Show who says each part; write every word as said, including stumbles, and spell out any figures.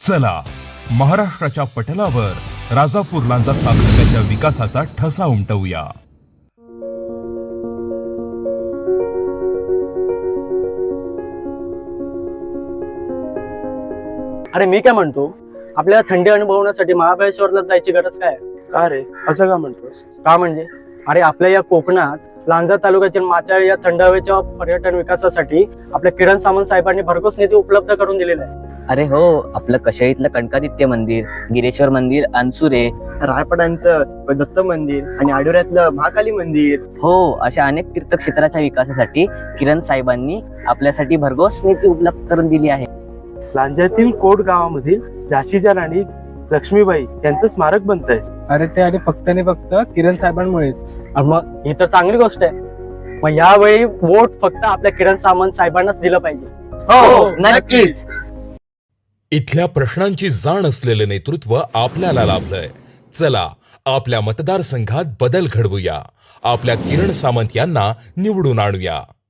Speaker 1: चला महाराष्ट्राच्या पटलावर राजापूर लांजा सातत्याच्या विकासाचा ठसा उमटवूया।
Speaker 2: अरे मी काय म्हणतो, आपल्याला थंडी अनुभवण्यासाठी महाबळेश्वरला जायची गरज काय आहे?
Speaker 3: का रे असं का म्हणतोस?
Speaker 2: का म्हणजे अरे आपल्या या कोकणात लांजा तालुक्यातील माचाळ या थंड हवेच्या पर्यटन विकासासाठी आपल्या किरण सामंत साहेबांनी भरघोस निधी उपलब्ध करून दिलेला आहे।
Speaker 4: अरे हो, आपलं कशाईतलं कणकादित्य मंदिर, गिरेश्वर मंदिर, अनसुरे,
Speaker 3: रायपडांचं दत्त मंदिर आणि आडोऱ्यातलं महाकाली मंदिर,
Speaker 4: हो, अशा अनेक तीर्थक्षेत्राच्या विकासासाठी किरण साहेबांनी आपल्यासाठी भरघोस निधी उपलब्ध करून दिली आहे।
Speaker 3: लांजातील कोट गावामधील झाशीच्या राणी लक्ष्मीबाई यांचं स्मारक बनतंय।
Speaker 5: अरे ते आणि फक्त आणि फक्त किरण साहेबांमुळेच।
Speaker 2: आणि मग ही तर चांगली गोष्ट आहे। मग यावेळी वोट फक्त आपल्या किरण सामंत साहेबांनाच दिलं पाहिजे।
Speaker 4: हो, नक्कीच।
Speaker 1: इथल्या प्रश्नांची जाण असलेलं नेतृत्व आपल्याला लाभलंय। चला आपल्या मतदारसंघात बदल घडवूया, आपल्या किरण सामंत यांना निवडून आणूया।